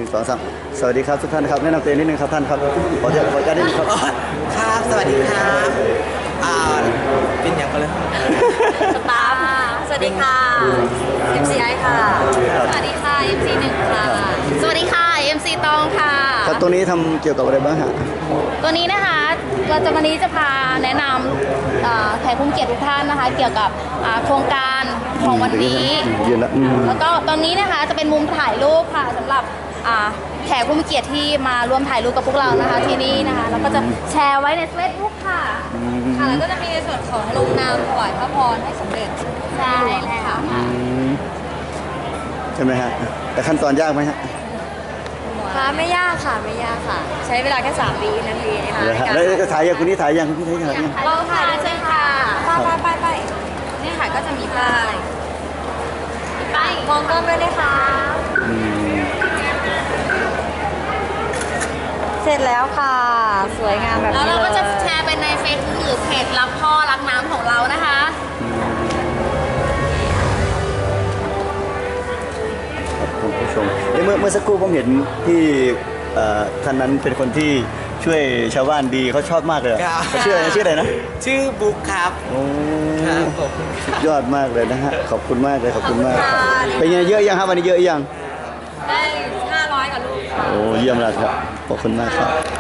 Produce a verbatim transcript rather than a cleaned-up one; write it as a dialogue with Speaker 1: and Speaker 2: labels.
Speaker 1: งสองสามสวัสดีครับทุกท่านครับแนะนำตัวเองนิดนึงครับท่านครับขอเชิญขออนุญาตนิดนึงครับ
Speaker 2: ครับสวัสดีครับอ่าเป็นอย่างกันเลย
Speaker 3: สตาฟสวัสดีค่ะ เอ็ม ซี ไอ ค่ะ สวัสดีค่ะ เอ็ม ซี หนึ่ง ค่ะ สวัสดีค่ะ เอ็ม ซี ตองค่ะ
Speaker 1: ครับตรงนี้ทำเกี่ยวกับอะไรบ้างฮะ
Speaker 3: ตัวนี้นะคะเราจะวันนี้จะพาแนะนำอ่าแขกผู้มีเกียรติทุกท่านนะคะ เกี่ยวกับอ่าโครงการของวันนี้
Speaker 1: ยืนละอืม
Speaker 3: แล้วก็ตรงนี้นะคะจะเป็นมุมถ่ายรูปค่ะสำหรับอ่าแขกผู้มีเกียรติที่มาร่วมถ่ายรูปกับพวกเรานะคะที่นี่นะคะแล้วก็จะแชร์ไว้ในเฟซบุ๊กค่ะค่ะแล้วก็จะมีในส่วนของลงนามถวายพระพรให้สมเด็จใช่แล้วค่ะ
Speaker 1: อืมใช่ไหมฮะแต่ขั้นตอนยากไหมฮะ
Speaker 3: ค่ะไม่ยากค่ะไม่ยากค่ะ ใช้เวลาแค่สามวินาทีนะคะ
Speaker 1: เดี๋ยวฮะแล้วจะถ่ายยังคุณนี่ถ่ายยังคุณนี่ถ่ายยัง
Speaker 3: เราถ่ายใช่ค่ะไปไปไปนี่ค่ะก็จะมีป้ายป้ายมองกล้องด้วยนะคะ
Speaker 1: อืม
Speaker 3: เสร็จแล้วค่ะ สวยงามแบบนี้แล้วเราก็จะแชร์ไปในเฟซบุ๊กหรือเพจรักพ่อรักน้ำของเรานะคะ
Speaker 1: ครับคุณผู้ชมเอ้ยเมื่อเมื่อสักครู่ผมเห็นที่เอ่อท่านนั้นเป็นคนที่ช่วยชาวบ้านดีเขาชอบมากเลยอะ
Speaker 2: ครับ
Speaker 1: เขาชื่ออะไรชื่ออะไรนะ
Speaker 2: ชื่อบุ๊กครับ
Speaker 1: โอ้
Speaker 2: ครับผม
Speaker 1: สุดยอดมากเลยนะฮะขอบคุณมากเลยขอบคุณมาก
Speaker 3: ขอบคุณค่ะ
Speaker 1: เป็นไงเยอะยังครับวันนี้เยอะยัง
Speaker 3: ได้ห้าร้อยกับลูกค่ะ
Speaker 1: โอ้เยี่ยมเลยครับขอบคุณมากครับ